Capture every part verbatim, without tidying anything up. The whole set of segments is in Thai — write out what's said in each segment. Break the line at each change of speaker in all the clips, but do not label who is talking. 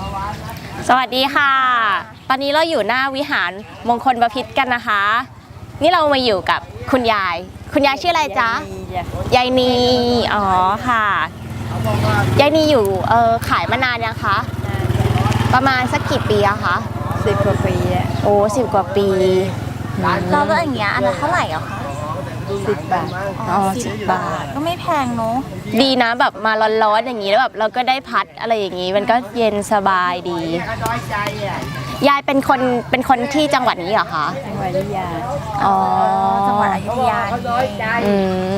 สวัสดีค่ะตอนนี้เราอยู่หน้าวิหารมงคลบพิตรกันนะคะนี่เรามาอยู่กับคุณยายคุณยายชื่ออะไรจ๊ะยายนีอ๋อค่ะยายนีอยู่เออขายมานานยังคะประมาณสักกี่ปีอะคะ
สิบกว่าปีอะ
โอ้สิบกว่าปี
เราก็อย่างเงี้ยอันละเท่าไหร่อะคะ
สิบบาท
อ๋อสิบบาท
ก็ไม่แพงเนาะ
ดีนะแบบมาร้อนๆอย่างนี้แล้วแบบเราก็ได้พัดอะไรอย่างนี้มันก็เย็นสบายดียายเป็นคนเป็นคนที่จังหวัดนี้เหรอคะ
จังหวัดอยุธยา
อ๋อ
จังหวัดอยุธยา
อืม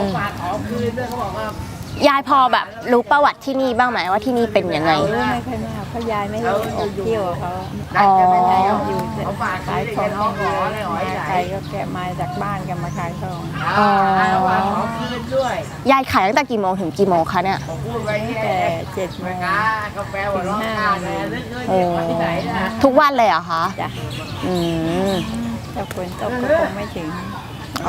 ยายพอแบบรู้ประวัติที่นี่บ้างไหมว่าที่นี่เป็นยังไง
รู้ไม่ค่อยมากเพราะยายไม่ได้ออกเที่ยวเขา
อ๋อ
อยู่ขายของอย่างเดียวมาไกลก็แกะมาจากบ้านกันมาขายของ
อ๋อยายขายตั้งแต่กี่โมงถึงกี่โมงคะเนี่ย
ตั้งแต่เจ็ดโมงถึงห้าโมง
ทุกวันเลยเหรอคะ
จ้ะ
อืม
ถ้าฝนตกก็คงไม่ถึง
อ๋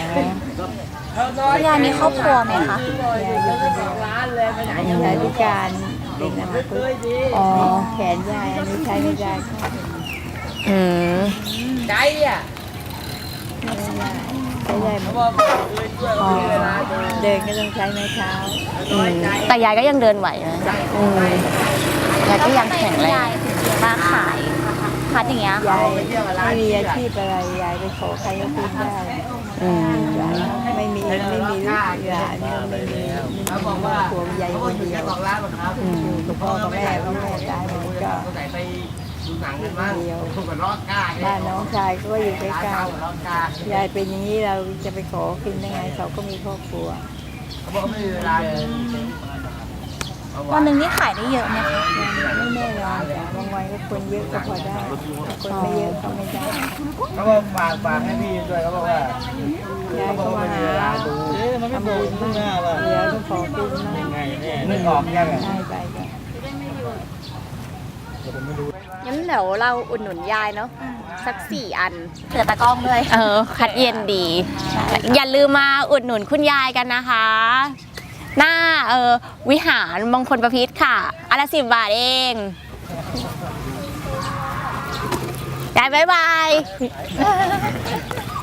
อยายมีครอบครัวไหมคะ
ยายอยู่คนเดียวยายพิการเด็กอัมพฤกษ์อ๋อแขนยายอันนี้ใช้ไม่ได้
อืม
ใจอ่ะไม่ได้ใช้ได้ไหมเดินก็ต้องใช้ไม้เท้า
แต่ยายก็ยังเดินไหวนะยายก็ยังแข็งแรง
มาขายพัดอย่างเงี้ย
ยายไม่มีอาชีพอะไรยายไปขอใครก็กินได้ไม่มีไม่มีลูกหลานไม่มีครอบครัวยายคนเดียวกับพ่อกับแม่ก็แม่ตายหมดก็เดียวบ้านน้องชายก็อยู่ใกล้ๆยายเป็นอย่างนี้เราจะไปขอกินได้ไงเขาก็มีครอบครัว
วันหนึ่งนี่ขายได้เยอะไหมคะ
ไม่แน่นอนจ้ะบางวันก็คนเยอะก็พอได้คนไม่เยอะก็ไม่ได้
เขาบอกฝากฝากให้พี่ด้วยเขาบอกว่
ายายก็มาหาทำบุญมากเหลือก็ขอกินมาก
นึกออกยังไง
ได้ไปจ้ะ
งั้นเดี๋ยวเราอุดหนุนยายเนาะสักสี่อัน
เหลือตะกร้องด้วย
เออคัดเย็นดีอย่าลืมมาอุดหนุนคุณยายกันนะคะหน้าเออวิหารมงคลบพิตรค่ะอันละสิบบาทเองยายบ๊ายบาย